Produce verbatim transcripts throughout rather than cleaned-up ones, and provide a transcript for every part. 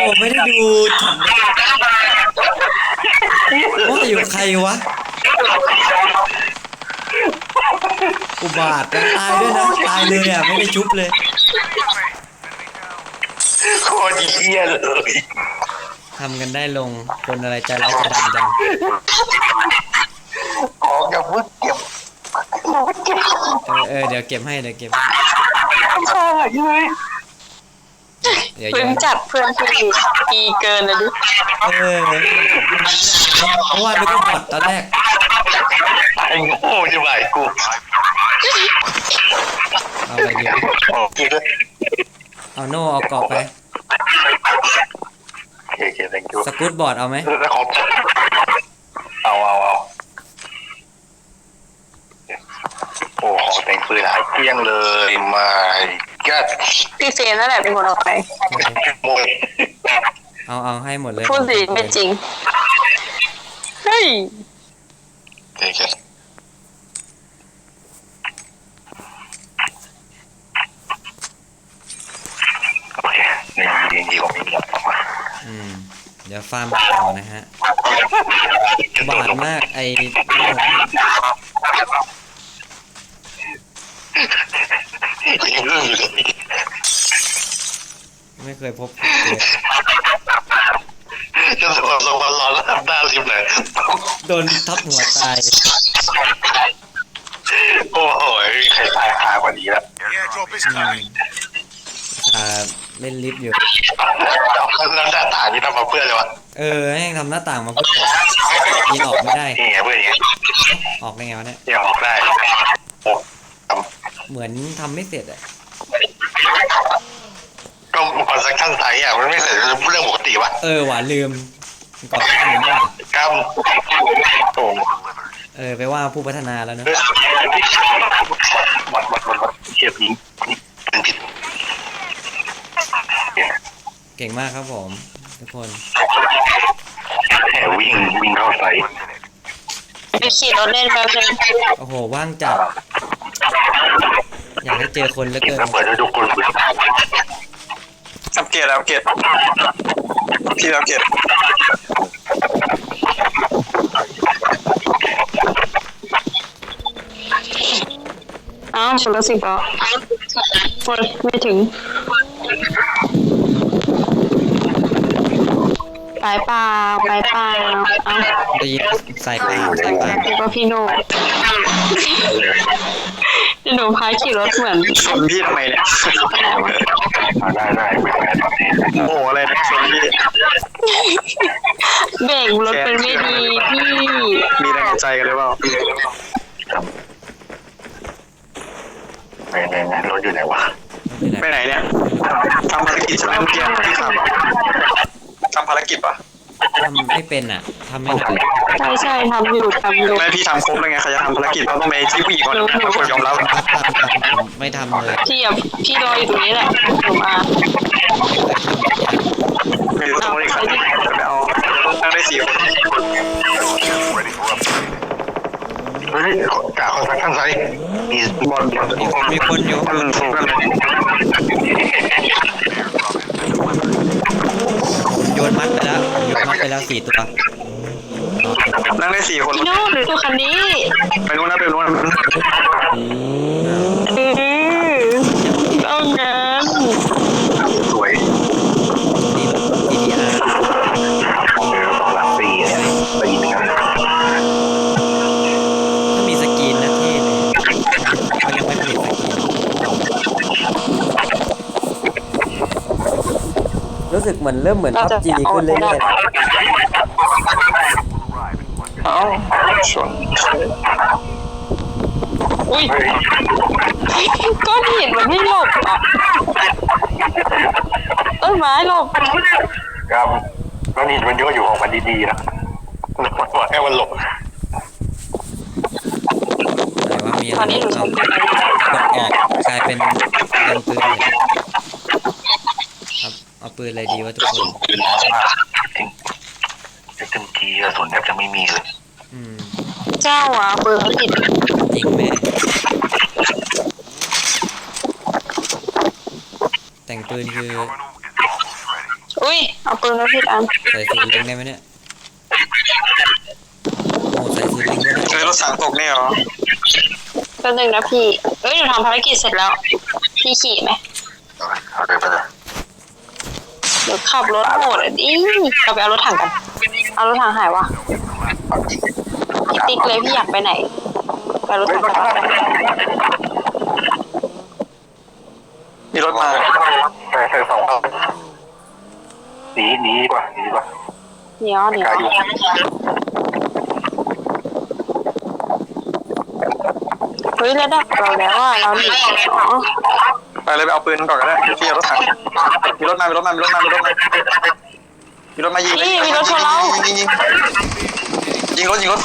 ไม่ได้ดูฉันว่าอยู่ใครวะอุบาทนะตายด้วยนะตายเลยอ่ะไม่ได้ชุบเลยโคตรเหี้ยเลยทำกันได้ลงคนอะไรใจร้ายใจดำจังของอย่าพึ่งเก็บเออเออเดี๋ยวเก็บให้เดี๋ยวเก็บใช่ไหมเดี๋ยวเพิ่งจัดเพื่อนที่ดีเกินเลยดิเออเพราะว่านึกว่าบอทตอนแรกไอ้โง่จะไหวกูเอาอะไรดีเอาโน่เอาเกาะไปโอเค thank you สกูตบอร์ดเอาไหมแล้วของเอาเอาเอาโอ้ของแต่งปืนหายเกลี้ยงเลยมากัดพี่เฟนนั่นแหละเป็นคนเอาไปโมยเอาเอาให้หมดเลยพูดสิไม่จริงเฮ้ยโอเคโอเคในดีดีของมีแล้วอืมเดี๋ยวฟาร์มต่อนะฮะบาดมากไอ้ไม่เคยพบจะสอนสอนร้อนแล้วหน้าริมเลยโดนทับหัวตายโอ้โหใครตายคากว่านี้แล้วอ่าเล่นลิฟต์อยู่แล้วหน้าต่างนี่ทำมาเพื่ออะไรวะเออให้ทำหน้าต่างมาเพื่อยิงออกไม่ได้นี่ไงเพื่อนอย่างออกได้ไงวะเนี่ยยังออกได้โอ้เหมือนทำไม่เสร็จอ่ะก็คอนสตรักชั่นไซต์อ่ะมันไม่เสร็จเรื่องปกติวะเออหว่าลืมก่อนหน้านี้กรรมโอ้เออไปว่าผู้พัฒนาแล้วเนอะหมดหมดหมดหมดเฉียบยิงเป็นผิดเก่งมากครับผมทุกคนแห่วิ่งวิ่งเข้าไซต์ไปขี่รถเล่นแป๊บนึงโอ้โหว่างจัดอยากให้เจอคนเหลือเกินเปิดด้วยทุกคนอัปเกรดอัปเกรดพี่อัปเกรดอ้าวหมดแล้วสิก็หมดไม่ถึงไปเปล่าไปเปล่าเอาได้ยินใส่ปากใส่ปากแล้วก็พี่โน่พี่หนูพายขี่รถเหมือนชนพี่ทำไมเนี่ยได้ได้โอ้อะไรนะชนพี่เบรกรถเป็นไม่ดีพี่มีแรงใจกันหรือเปล่าไปไหนนะรถอยู่ไหนวะไปไหนเนี่ยทำภารกิจใช่ไหมเมื่อกี้ที่ทำทำภารกิจปะทำไม่เป็นอ่ะทำไม่ได้ใช่ใช่ทำอยู่ทำอยู่ไม่พี่ทำครบแล้วไงใครจะทำภารกิจเราต้องไปที่ผู้หญิงก่อนคนยอมรับไม่ทำเลยพี่อ่ะพี่รออยู่ตรงนี้แหละผมมาไม่รู้ต้องได้ใครไปเอาตั้งได้สี่คนเฮ้ยกาคอนสตรักชั่นไซต์มีบอลมีคนอยู่โยนมัดไปแล้วโยนมัดไปแล้วสี่ตัวนั่งได้สี่คนพี่โน่ดูตัวคันนี้ไปนู้นนะไปนู้นต้องงานสวยนี่รถ จี ที อาร์ของเรือของหลังสี่เนี่ยไปยิงกันถ้ามีสกรีนนะที่เลยเขายังไม่ผลิตสกรีนรู้สึกเหมือนเริ่มเหมือน พับจี ขึ้นเรื่อยๆเอ้าชนอุ้ยก้อนหินมันไม่หลบอ่ะต้นไม้หลบครับก้อนหินมันเยอะอยู่ของมันดีๆนะว่าให้มันหลบอะไรว่ามีอะไรเอากดออกกลายเป็นเดินปืนครับเอาปืนอะไรดีวะทุกคนปืนน้อยมากจริงเต็มทีกระสุนแทบจะไม่มีเลยอืมเจ้าอ่ะปืนผิดจริงไหมแต่งปืนคืออุ้ยยเอาปืนมาผิดอันใส่ซีลิงได้ไหมเนี่ยโอ้ใส่ซีลิงก็ได้เจอรถถังตกนี่เหรอก็หนึ่งนะพี่เอ้ยหนูทำภารกิจเสร็จแล้วพี่ขี่ไหมเอาเลยไปเลยเดี๋ยวขับรถโหดอ่ะดิเราไปเอารถถังกันเอารถถังหายวะติ๊กเลยพี่อยากไปไหนไปรถถังกันมีรถมาไปไปสองรอบหนีหนีดีกว่าหนีดีกว่าเหนียวเหนียวกายอยู่เฮ้ยระดับเราแล้วอ่ะเราหนีอ๋อไปเลยไปเอาปืนก่อนก็ได้พี่เอารถถังมีรถมามีรถมามีรถมามีรถมามีรถมายิงเลยยิงยิงยิงยิงรถยิงรถ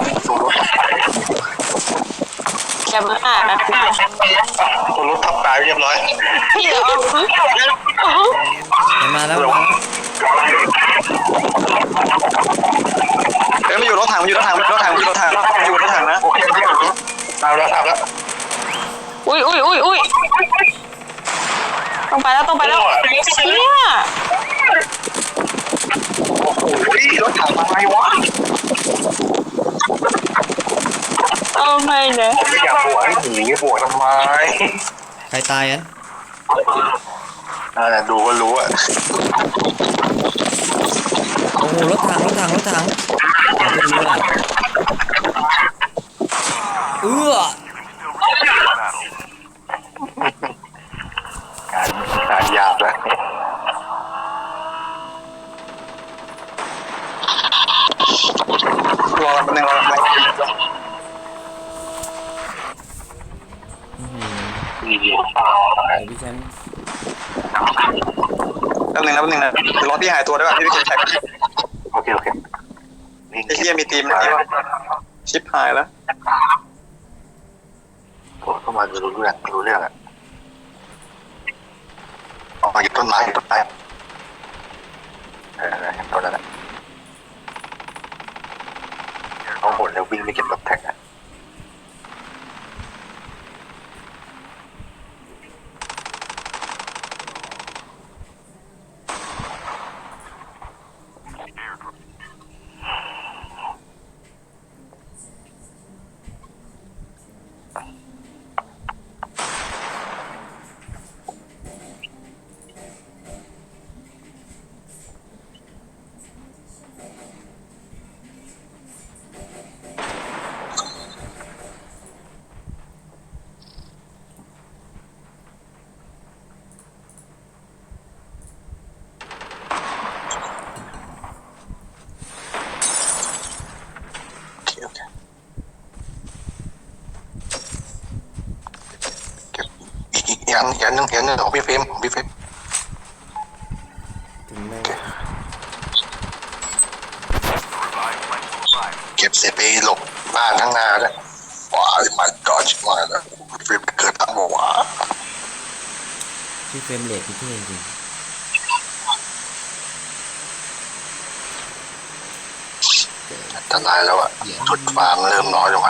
แกมาอ่านนะพี่คนรถทับตายเรียบร้อยพี่เดี๋ยวเอามันมาแล้วมาแล้วเอ้ยมันอยู่รถถังมันอยู่รถถังรถถังอยู่รถถังอยู่รถถังนะโอเคตามแล้วตามแล้วอุ้ยอุ้ยอุ้ยอุ้ยต้องไปแล้วต้องไปแล้วเชี่ยโอ้โหรถถังมาไงวะเอาไม่เนอะไม่อยากบวกให้หนีบวกทำไมใครตายอันอ่าดูก็รู้อ่ะโอ้โหรถถังรถถังรถถังเอาไปดูละเอื้อการการหยาบแล้วรอแป๊บนึงรอแป๊บนึงเดี๋ยวพี่แชมป์แป๊บนึงนะแป๊บนึงนะรอพี่หายตัวได้ป่ะพี่ไปเก็บแท็กโอเคโอเคนี่ไอ้เหี้ยมีทีมนะที่ว่าชิปหายแล้วผมเข้ามาจะรู้เรื่องรู้เรื่องอ่ะออกมาอยู่ต้นไม้อยู่ต้นไม้เออเห็นต้นแล้วนะเอาหมดแล้ววิ่งไปเก็บรถแท็กอ่ะยันยันนึงยันนึงของพี่เฟรมของพี่เฟรมถึงเลยเก็บเสร็จไปหลบบ้านข้างหน้าแล้วว้าวมาจอดมาแล้วพี่เฟรมเกิดตั้งบอกว่าพี่เฟรมเรทพี่เท่จริงอันตรายแล้วอ่ะจุดฟางเริ่มน้อยลงอ่ะ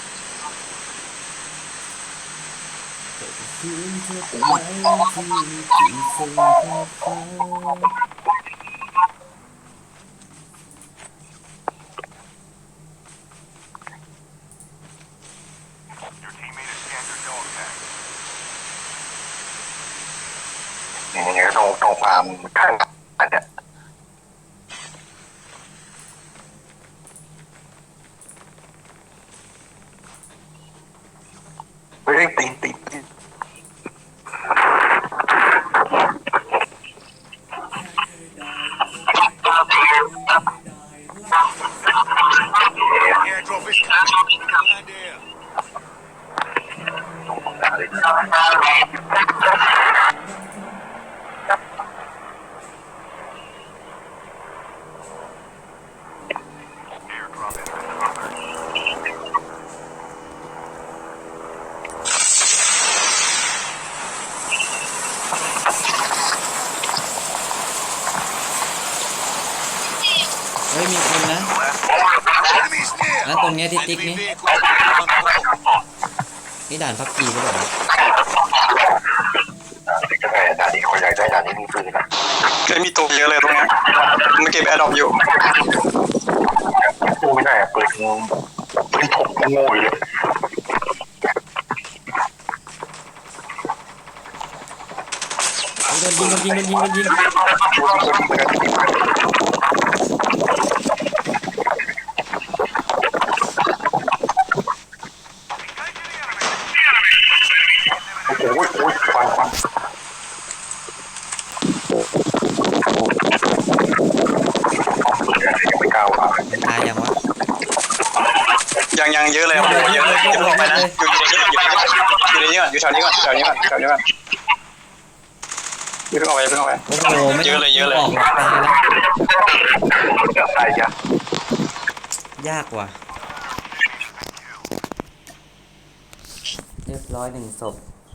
อย่างเงี้ยตรงตรงฟาร์มข้างอันเนี้ยเฮ้ยตีนตีนตีนเฮ้ยมีคนนะนั่นตรงเนี้ยที่ติ๊กนี่นี่ด่านพับจีหรือเปล่าก็ได้ด่านนี้คนอยากได้ด่านนี้มีปืนนะเคยมีตัวเยอะเลยตรงเนี้ยมันเก็บแอร์ดรอปอยู่สู้ไม่ได้อะปืนปืนถกโง่อยู่เลยโดนยิงโดนยิงโดนยิงโดนยิงโอ้โหโอ้ยควันควันยังไม่กล้าว่ามันตายยังวะยังยังเยอะเลยโอ้โหเยอะเลยเยอะลงไปนะอยู่ในนี้อยู่ในนี้ก่อนอยู่แถวนี้ก่อนอยู่แถวนี้ก่อนแถวนี้ก่อนอย่าเพิ่งออกไปอย่าเพิ่งออกไปโอ้โหไม่เยอะเลยเยอะเลยออกหรอกตายแล้วตายยากยากว่ะเรียบร้อยหนึ่งศพ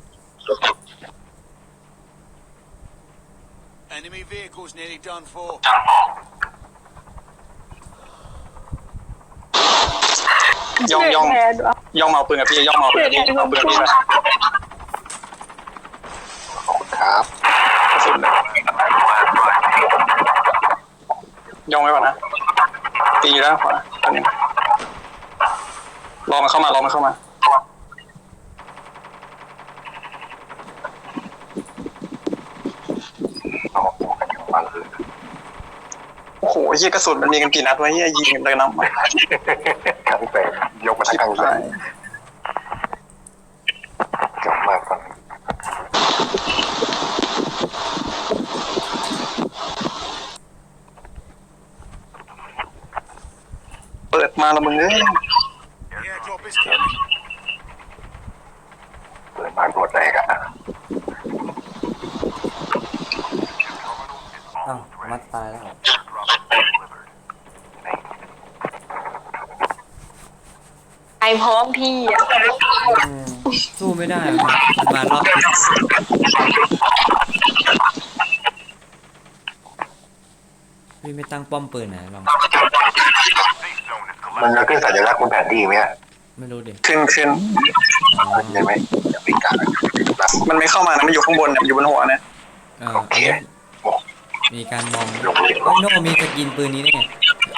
Enemy vehicles nearly done for. ย่องย่องแทนวะย่องมาเอาปืนกับพี่ย่องมาเอาปืนกับพี่เอาปืนกับพี่ไปขอบคุณครับกระสุนเลยย่องไว้ก่อนนะตีอยู่แล้วขวาอันนี้รอมันเข้ามารอมันเข้ามาเอามาปอกกันอยู่ฟังคือโอ้โหเฮียกระสุนมันมีกันกี่นัดวะเฮียยิงกันเลยน้ำครั้งแปดยกมาทั้งครั้งแปดกลับมาฟังเปิดมาแล้วมึงเอ้ย The airdrop is coming. เปิดมาตัวแตกอ่ะอ้าวมัดตายแล้วไอพร้อมพี่อ่ะอืมสู้ไม่ได้อะมันมารอบที่พี่ไม่ตั้งป้อมปืนไหนลองมันจะขึ้นสัญลักษณ์บนแผนที่ไหมอ่ะไม่รู้ดิขึ้นขึ้นอ๋อใช่ไหมอย่าไปกล้ามันไม่เข้ามานะมันอยู่ข้างบนเนี่ยอยู่บนหัวเนี่ยเอออันนี้มีการมองเฮ้ยโน่มีสกินปืนนี้ได้ไง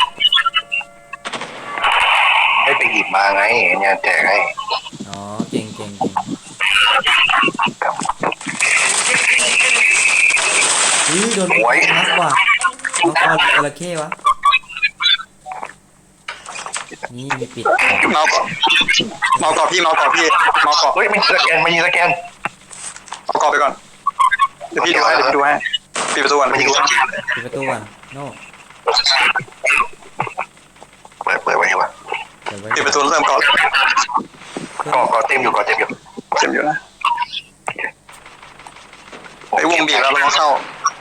ให้ไปหยิบมาไงเนี่ยแจกให้อ๋อเก่งเก่งเก่งอุ้ยโดนนักกว่าน้องเอาจระเข้วะนี่มีปิดเมาส์ก่อนเมาส์ก่อนพี่เมาส์ก่อนพี่เมาส์ก่อนเฮ้ยมีสแกนมีสแกนเอาก่อนไปก่อนเดี๋ยวพี่ดูให้เดี๋ยวพี่ดูให้ปิดประตูก่อนมันปิดยิปงระตูสก่อนแกนปิดประตูก่อนโน่เปิดเปิดไว้ดีกว่าเดี๋ยวไว้ปิดประตูแล้วเริ่มก่อนก็ก็เต็มอยู่ก็เต็มอยู่เต็มอยู่นะไอ้วงบีบแล้วเราต้องเข้า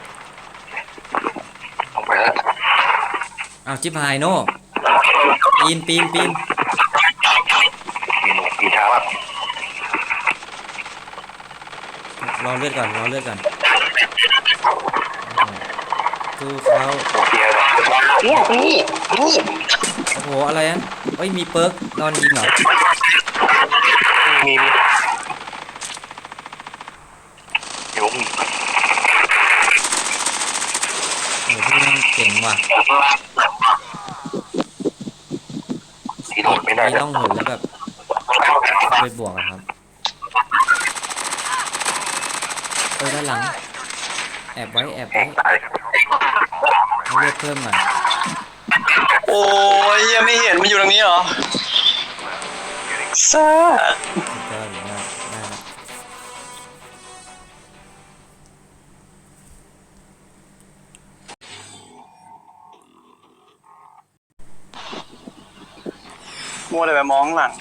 ลงไปแล้วอ้าวจิบหายโน่ปีนปีนปีนปีนปีนเท้าอ่ะรอเลือดก่อนรอเลือดก่อนสู้เขาโอเคเลยเนี่ยนี่นี่โอ้โหอะไรอ่ะเฮ้ยมีเปิร์กนอนยิงเหรอมีมีเดี๋ยวมีโอ้โหพี่นั่งเก่งว่ะสีโดดไม่ได้ไม่แล้วต้องหนแล้วแบบไปบวกอะครับเออด้านหลังแอบไว้แอบแหไว้กตายให้เลือดเพิ่มหน่อยโอ้ยยังไม่เห็นมันอยู่ตรงนี้เหรอซ่าก็หรือว่าได้แล้วมัวแต่ไปมองหลัง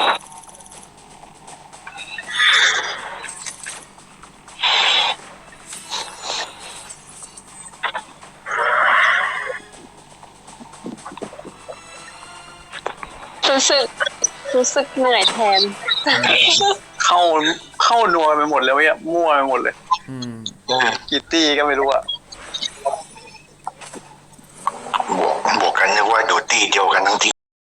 รู้สึกรู้สึกเหนื่อยแทนเข้าเข้านัวไปหมดเลยเว้ยมั่วไปหมดเลยอืมกิตตี้ก็ไม่รู้อะบวกบวกกันนึกว่าโดดตีเดียวกันทั้งที